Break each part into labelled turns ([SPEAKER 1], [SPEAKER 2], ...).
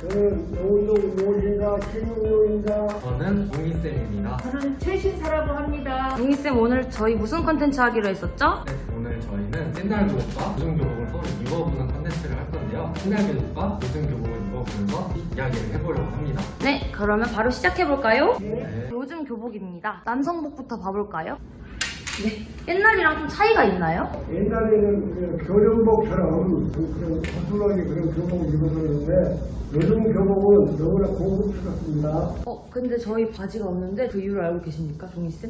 [SPEAKER 1] 노동 노인가 신용노인가.
[SPEAKER 2] 저는 용희쌤입니다.
[SPEAKER 3] 저는 최신사라고 합니다.
[SPEAKER 4] 용희쌤 오늘 저희 무슨 컨텐츠 하기로 했었죠?
[SPEAKER 2] 네, 오늘 저희는 옛날 교복과 요즘 교복을 서로 입어보는 컨텐츠를 할 건데요. 옛날 교복과 요즘 교복을 입어보면서 이야기를 해보려고 합니다.
[SPEAKER 4] 네, 그러면 바로 시작해볼까요?
[SPEAKER 2] 네.
[SPEAKER 4] 요즘 교복입니다. 남성복부터 봐볼까요? 네, 옛날이랑 좀 차이가 있나요?
[SPEAKER 1] 옛날에는 그 교련복처럼 그런 거슬하게 그런 교복을 입었었는데 요즘 교복은 너무나 고급스럽습니다.
[SPEAKER 4] 근데 저희 바지가 없는데 그 이유를 알고 계십니까, 종희쌤?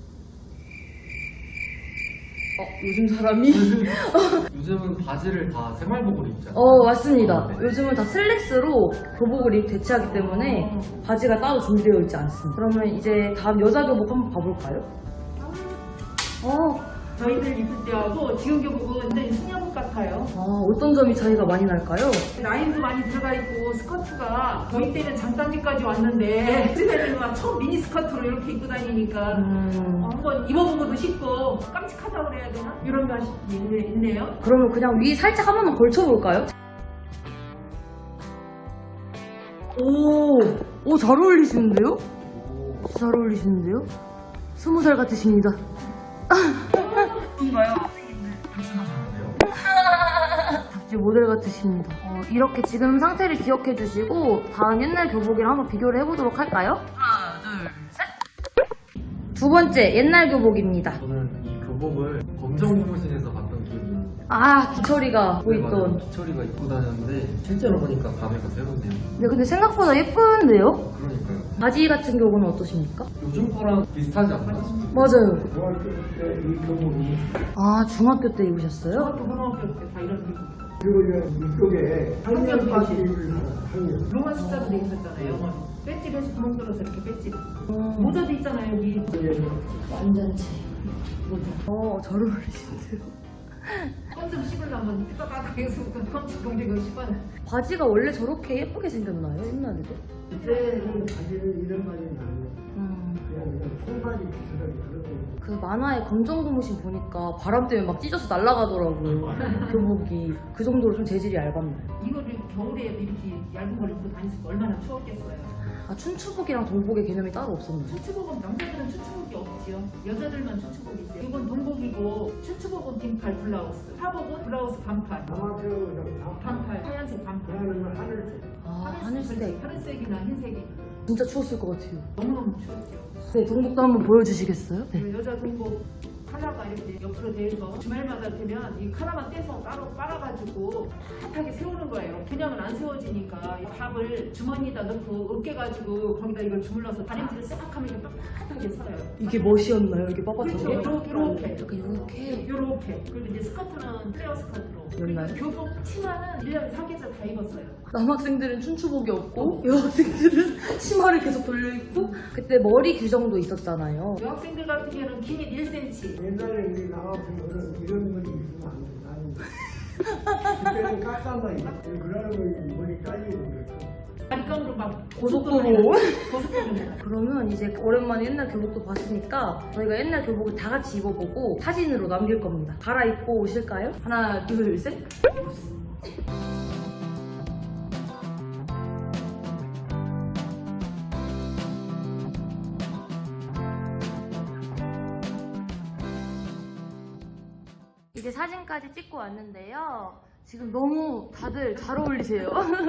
[SPEAKER 4] 요즘 사람이?
[SPEAKER 2] 요즘은 바지를 다 새말복으로 입잖아요.
[SPEAKER 4] 맞습니다.
[SPEAKER 2] 네.
[SPEAKER 4] 요즘은 다 슬랙스로 교복을 대체하기 때문에 바지가 따로 준비되어 있지 않습니다. 그러면 이제 다음 여자 교복 한번 봐볼까요?
[SPEAKER 3] 저희들 입을 때하고 지금 교복은 완전히 숙녀복 같아요.
[SPEAKER 4] 어떤 점이 차이가 많이 날까요?
[SPEAKER 3] 라인도 많이 들어가 있고 스커트가 저희 때는 장단지까지 왔는데 요즘에는 막 처음 미니 스커트로 이렇게 입고 다니니까 한번 입어본 것도 싶고 깜찍하다고 그래야 되나? 이런 맛이 있네요.
[SPEAKER 4] 그러면 그냥 위 살짝 한 번만 걸쳐볼까요? 오, 잘 어울리시는데요? 잘 어울리시는데요? 20살 같으십니다.
[SPEAKER 3] 뭔가요?
[SPEAKER 2] 괜찮으셨는데요?
[SPEAKER 4] 잡지 모델 같으십니다. 이렇게 지금 상태를 기억해 주시고 다음 옛날 교복이랑 한번 비교를 해보도록 할까요? 하나, 둘, 셋! 두 번째 옛날 교복입니다.
[SPEAKER 2] 저는 이 교복을 검정고무신에서 봤던 기억이 있는데
[SPEAKER 4] 기철이가 보이던.
[SPEAKER 2] 기철이가 입고 다녔는데 실제로 보니까 감회가 새롭네요.
[SPEAKER 4] 네, 근데 생각보다 예쁜데요?
[SPEAKER 2] 그러니까요.
[SPEAKER 4] 바지 같은 경우는 어떠십니까?
[SPEAKER 2] 요즘 거랑 비슷하지 않나요?
[SPEAKER 4] 맞아요.
[SPEAKER 1] 중학교 때 이 교복이
[SPEAKER 4] 중학교 때 입으셨어요?
[SPEAKER 3] 중학교 고등학교 때 다 이런 교복.
[SPEAKER 1] 그리고 이제 이쪽에 학년 바지를 학년.
[SPEAKER 3] 로마 숫자도 돼 있었잖아요. 영어로. 배집에서 구멍 뚫어서 이렇게 배집. 모자도 있잖아요. 여기.
[SPEAKER 4] 완전치. 잘 어울리시는데요?
[SPEAKER 3] 껌좀 씹으려면 삐까까까 해서 껌좀 동작을 씹어요.
[SPEAKER 4] 바지가 원래 저렇게 예쁘게 생겼나요? 옛날에도?
[SPEAKER 1] 그때는 바지는 이런 바지는 아니에요. 그냥 청바지 비슷하게 그렇고.
[SPEAKER 4] 그 만화의 검정고무신 보니까 바람 때문에 막 찢어서 날아가더라고요. 교복이. 그 정도로 좀 재질이 얇았나요?
[SPEAKER 3] 이거를 겨울에 이렇게 얇은 걸 입고 다녔을 때 얼마나 추웠겠어요.
[SPEAKER 4] 춘추복이랑 동복의 개념이 따로 없었나요?
[SPEAKER 3] 춘추복은 남자들은 춘추복이 없지요. 여자들만 춘추복이 있어요. 이건 동복이고 춘추복은 긴팔 블라우스, 하복은 블라우스 반팔,
[SPEAKER 1] 아마추어
[SPEAKER 3] 반팔, 하얀색 반팔.
[SPEAKER 1] 그러면 하늘색.
[SPEAKER 4] 하늘색.
[SPEAKER 3] 하늘색이나 흰색이
[SPEAKER 4] 진짜 추웠을 것 같아요.
[SPEAKER 3] 너무너무 추웠죠.
[SPEAKER 4] 네, 동복도 한번 보여주시겠어요? 네.
[SPEAKER 3] 그 여자 동복 카라가 이렇게 옆으로 돼서 주말마다 되면 이 카라만 떼서 따로 빨아가지고 빳하게 세우는 거예요. 그냥은 안 세워지니까 이 밥을 주머니에다 넣고 으깨가지고 거기다 이걸 주물러서 다림질을 싹 하면 이렇게 빳빳하게 서요.
[SPEAKER 4] 이게 멋이었나요? 이렇게 빳빳한 게?
[SPEAKER 3] 그렇죠. 요렇게.
[SPEAKER 4] 이렇게.
[SPEAKER 3] 요렇게. 그리고 이제 스커트는 플레어 스커트로.
[SPEAKER 4] 였나요?
[SPEAKER 3] 교복 치마는 1년에 4계절 다 입었어요.
[SPEAKER 4] 남학생들은 춘추복이 없고 여학생들은 치마를 계속 돌려입고 그때 머리 규정도 있었잖아요.
[SPEAKER 3] 여학생들 같은 경우는 길이 1cm.
[SPEAKER 1] 옛날에 우리 나왔으면 이런 머리 있으면 안 돼. 그때는 깎아머리. 그러면 머리 잘리고 그랬어.
[SPEAKER 3] 바리깡으로 막
[SPEAKER 4] 고속도로.
[SPEAKER 3] 고속도로.
[SPEAKER 4] 그러면 이제 오랜만에 옛날 교복도 봤으니까 저희가 옛날 교복을 다 같이 입어보고 사진으로 남길 겁니다. 갈아입고 오실까요? 하나, 둘, 셋. 이제 사진까지 찍고 왔는데요. 지금 너무 다들 잘 어울리세요.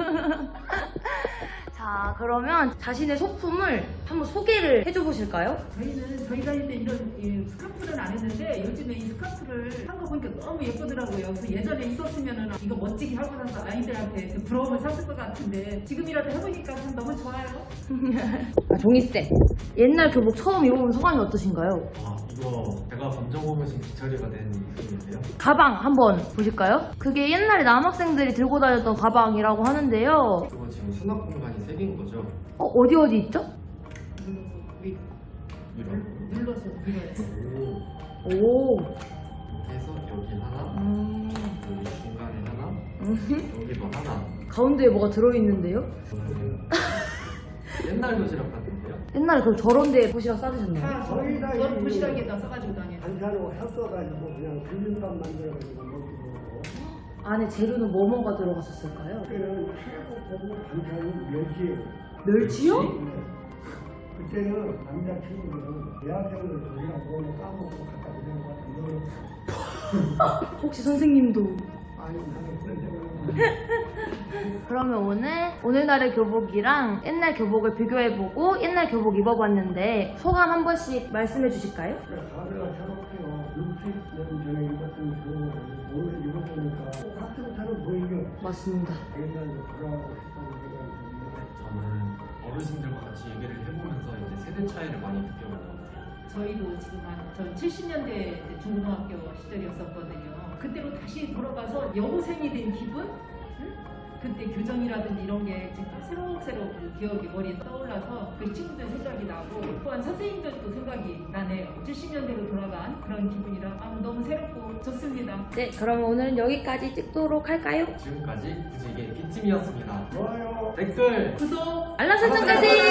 [SPEAKER 4] 자, 그러면 자신의 소품을 한번 소개를 해줘 보실까요?
[SPEAKER 3] 저희는 저희 다닐 때 이런 스카프는 안 했는데 요즘에 이 스카프를 한 거 보니까 너무 예쁘더라고요. 그래서 예전에 있었으면은 이거 멋지게 하고 나서 아이들한테 그 부러움을 샀을 것 같은데 지금이라도 해보니까 참 너무 좋아요.
[SPEAKER 4] 종이쌤, 옛날 교복 처음 입어본 소감이 어떠신가요?
[SPEAKER 2] 이거 제가 검정고무신 기철이가 된 느낌인데요.
[SPEAKER 4] 가방 한번 보실까요? 그게 옛날에 남학생들이 들고 다녔던 가방이라고 하는데요.
[SPEAKER 2] 그거 지금 수납 공간이 3개인 거죠?
[SPEAKER 4] 어디 있죠?
[SPEAKER 3] 눌러서 밀어요.
[SPEAKER 4] 오.
[SPEAKER 2] 이렇게 해서 여기 하나, 여기 중간에 하나, 여기도 하나.
[SPEAKER 4] 가운데에 뭐가 들어있는데요?
[SPEAKER 2] 옛날 도시락 같은데요?
[SPEAKER 4] 옛날에 그럼 저런 데에 도시락 싸드셨나요?
[SPEAKER 1] 저희 다
[SPEAKER 3] 저는 도시락에다 써가지고 다녀요.
[SPEAKER 1] 반찬으로 섞어가지고 그냥 비빔밥 만들어가지고 먹기도 하고.
[SPEAKER 4] 안에 재료는 뭐가 들어갔었을까요?
[SPEAKER 1] 그때는 최고 고급 반찬이 멸치예요.
[SPEAKER 4] 멸치요?
[SPEAKER 1] 네. 그때는 남자친구들은 대학생들 조리랑 먹으면 까먹고 갖다 주는 것 같은데
[SPEAKER 4] 혹시 선생님도?
[SPEAKER 1] 아니 나는 그런 생각은
[SPEAKER 4] 그러면 오늘날의 교복이랑 옛날 교복을 비교해보고 옛날 교복 입어봤는데 소감 한 번씩 말씀해 주실까요?
[SPEAKER 1] 다들 새롭게요. 60년 전에 입었던 교복을 오늘 입어보니까 꼭 학생처럼 보이죠.
[SPEAKER 4] 맞습니다.
[SPEAKER 1] 옛날로 돌아가고 싶다는 생각이 듭니다.
[SPEAKER 2] 저는 어르신들과 같이 얘기를 해보면서 이제 세대 차이를 많이 느껴본 것 같아요.
[SPEAKER 3] 저희도 지금 전 70년대 중고등학교 시절이었었거든요. 그때로 다시 돌아가서 여고생이 된 기분? 응? 그때 교정이라든지 이런 게 지금 새록새록 그 기억이 머리에 떠올라서 그 친구들 생각이 나고 또한 선생님들도 생각이 나네요. 70년대로 돌아간 그런 기분이라 너무 새롭고 좋습니다.
[SPEAKER 4] 네, 그럼 오늘은 여기까지 찍도록 할까요?
[SPEAKER 2] 지금까지 구지게 B팀이었습니다.
[SPEAKER 1] 좋아요.
[SPEAKER 2] 댓글
[SPEAKER 3] 구독!
[SPEAKER 4] 알람 설정까지!